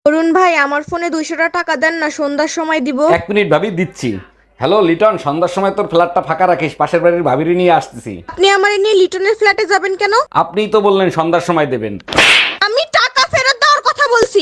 অরুণ ভাই আমার ফোনে 200 টাকা দেন না, সন্ধ্যার সময় দিব। 1 মিনিট ভাবি, দিচ্ছি। হ্যালো লিটন, সন্ধ্যার সময় তোর ফ্ল্যাটটা ফাঁকা রাখিস, পাশের বাড়ির ভাবিরি নিয়ে আসতেছি। আপনি আমার নিয়ে লিটনের ফ্ল্যাটে যাবেন কেন? আপনিই তো বললেন সন্ধ্যার সময় দেবেন। আমি টাকা ফেরত দেওয়ার কথা বলছি।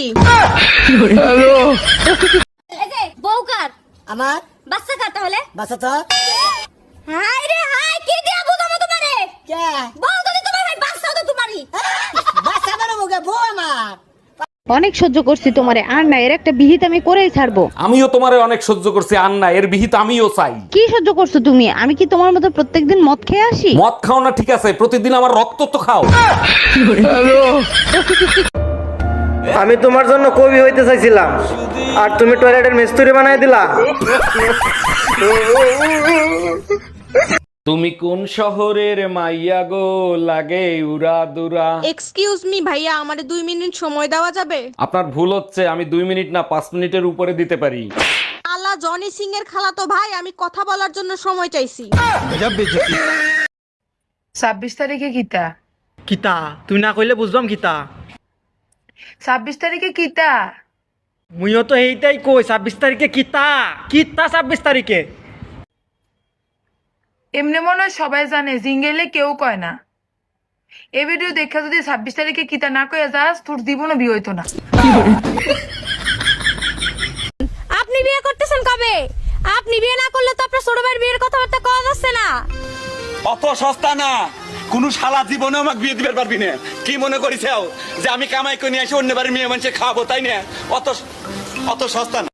এই যে বউকার আমার বাচ্চা কার তাহলে বাসা তো হাই রে হাই কি দিয়া বুঝাবো তোমারে কে বউ যদি তোমার ভাই বাচ্চা তো তোমারই বাসা বেরো মুখে বউ আমার অনেক সহ্য করছি তোমারে, আর না এর একটা বিহিত আমি করেই ছাড়বো। আমিও তোমারে অনেক সহ্য করছি, আর না এর বিহিত আমিও চাই। কি সহ্য করছো তুমি? আমি কি তোমার মতো প্রত্যেকদিন মদ খেয়ে আসি? মদ খাও না ঠিক আছে, প্রতিদিন আমার রক্ত তো খাও। আমি তোমার জন্য কবি হইতে চাইছিলাম, আর তুমি টয়লেটের মিস্ত্রি বানাই দিলা। তুমি কোন শহরের মাইয়া গো, লাগে উরা দুরা। এক্সকিউজ মি ভাইয়া, আমারে 2 মিনিট সময় দেওয়া যাবে? আপনার ভুল হচ্ছে, আমি 2 মিনিট না 5 মিনিটের উপরে দিতে পারি। আলা জনি সিং এর খালাতো ভাই, আমি কথা বলার জন্য সময় চাইছি। 26 তারিখে কিতা? কিতা তুই না কইলে বুঝবাম কিতা। 26 তারিখে কিতা? মুইও তো এইটাই কই, 26 তারিখে কিতা কিতা 26 তারিখে। এমনি মনে হয় সবাই জানে, জিঙ্গেলে কেউ কয় না। এই ভিডিও দেখা যদি 26 তারিখে কিতা না কয়ে যাস, তোর জীবনও বিয়ে হইতো না। আপনি বিয়ে করতেছেন কবে? আপনি বিয়ে না করলে তো আপনার ছোট ভাইয়ের বিয়ের কথাবার্তা কওয়া যাচ্ছে না। অত সস্তা না, কোন শালা জীবনে আমাকে বিয়ে দিতে পারবি না। কি মনে করিস যে আমি কামাই করে নিয়ে এসে অন্য বাড়ির মেয়ে মানুষের খাওয়াবো, তাই না? অত অত সস্তা না।